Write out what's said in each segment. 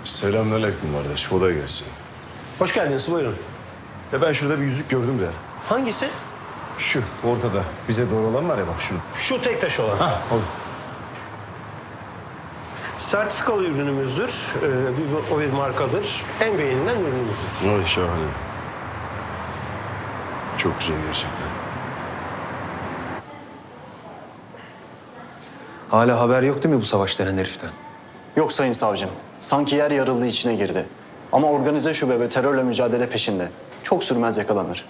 Selamünaleyküm kardeş. Kolay gelsin. Hoş geldiniz, buyurun. Ya ben şurada bir yüzük gördüm de. Hangisi? Şu ortada. Bize doğru olan var ya bak şu. Şu tek taş olan. Olur. Sertifikalı ürünümüzdür. O bir markadır. En beğenilen ürünümüzdür. Ay şahane. Çok güzel gerçekten. Hala haber yok değil mi bu savaş denen heriften? Yok sayın savcım. Sanki yer yarıldığı içine girdi. Ama organize şube ve terörle mücadele peşinde. Çok sürmez yakalanır.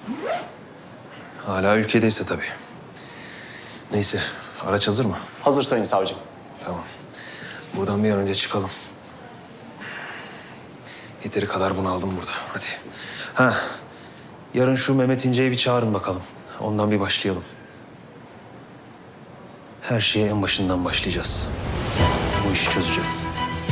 Hala ülkedeyse tabii. Neyse, araç hazır mı? Hazır sayın savcım. Tamam. Buradan bir an önce çıkalım. Yeteri kadar bunu aldım burada. Hadi. Ha, yarın şu Mehmet İnce'yi bir çağırın bakalım. Ondan bir başlayalım. Her şeye en başından başlayacağız. Bu işi çözeceğiz.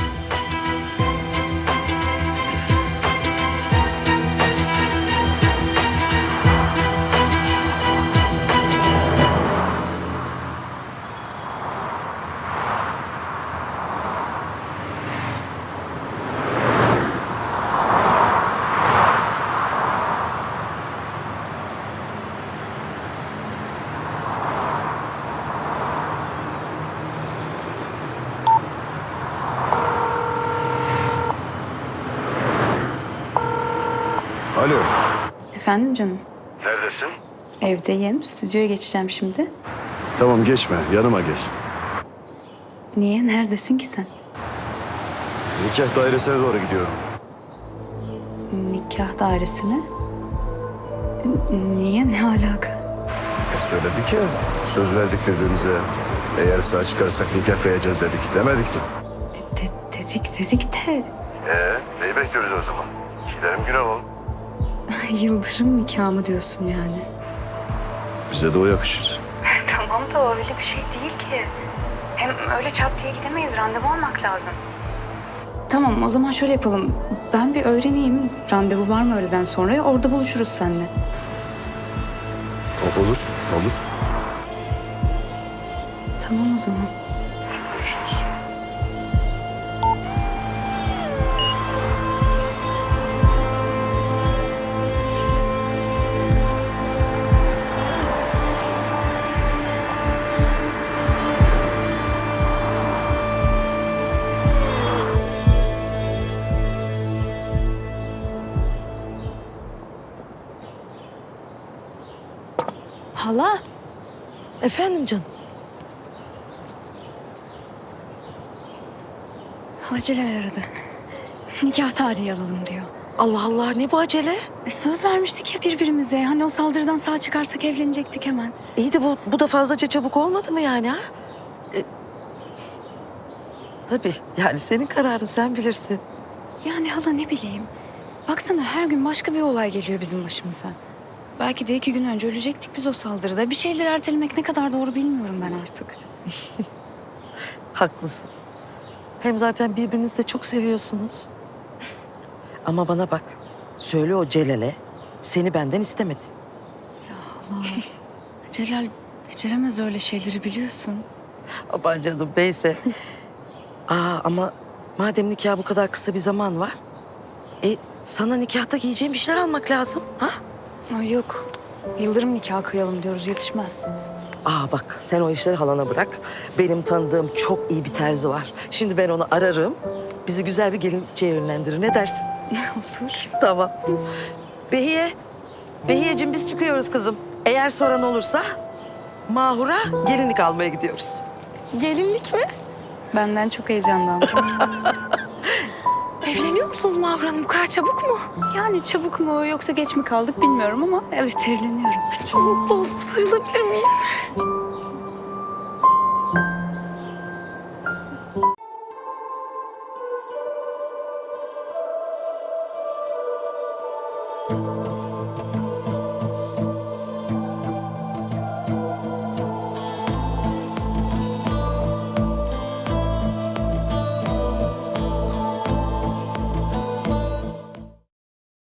Alo. Efendim canım? Neredesin? Evdeyim. Stüdyoya geçeceğim şimdi. Tamam geçme. Yanıma gel. Niye? Neredesin ki sen? Nikah dairesine doğru gidiyorum. Nikah dairesine. Niye? Ne alaka? Söyledik ya. Söz verdik birbirimize. Eğer sağ çıkarsak nikah kıyacağız dedik. Demedik mi? Dedik de Neyi bekliyoruz o zaman? Gidelim gün alalım. Yıldırım nikahı mı diyorsun yani? Bize de o yakışır. Tamam da öyle bir şey değil ki. Hem öyle çat diye gidemeyiz. Randevu almak lazım. Tamam o zaman şöyle yapalım. Ben bir öğreneyim. Randevu var mı öğleden sonra? Orada buluşuruz seninle. Olur, olur. Tamam o zaman. Görüşürüz. Hala. Efendim canım. Celal aradı. Nikah tarihi alalım diyor. Allah Allah ne bu acele? Söz vermiştik ya birbirimize. Hani o saldırıdan sağ çıkarsak evlenecektik hemen. İyi de bu da fazlaca çabuk olmadı mı yani ha? Tabii yani senin kararın sen bilirsin. Yani hala ne bileyim. Baksana her gün başka bir olay geliyor bizim başımıza. Belki de 2 gün önce ölecektik biz o saldırıda. Bir şeyleri ertelemek ne kadar doğru bilmiyorum ben artık. Haklısın. Hem zaten birbirinizi de çok seviyorsunuz. Ama bana bak. Söyle o Celal'e seni benden istemedi. Allah. Celal beceremez öyle şeyleri biliyorsun. Aman canım neyse. Ama madem nikah bu kadar kısa bir zaman var. Sana nikahta giyeceğin bir şeyler almak lazım. Ha? Ay yok. Yıldırım nikahı kıyalım diyoruz yetişmez. Bak sen o işleri halana bırak. Benim tanıdığım çok iyi bir terzi var. Şimdi ben onu ararım. Bizi güzel bir gelinlikçiye yönlendirir. Ne dersin? Olur. Tamam. Behiyeciğim biz çıkıyoruz kızım. Eğer soran olursa Mahur'a gelinlik almaya gidiyoruz. Gelinlik mi? Benden çok heyecanlandım. Evleniyor musunuz Mahur Hanım? Bu kadar çabuk mu? Yani çabuk mu yoksa geç mi kaldık bilmiyorum ama evet evleniyorum. Çok mutlu oldum. Sarılabilir miyim?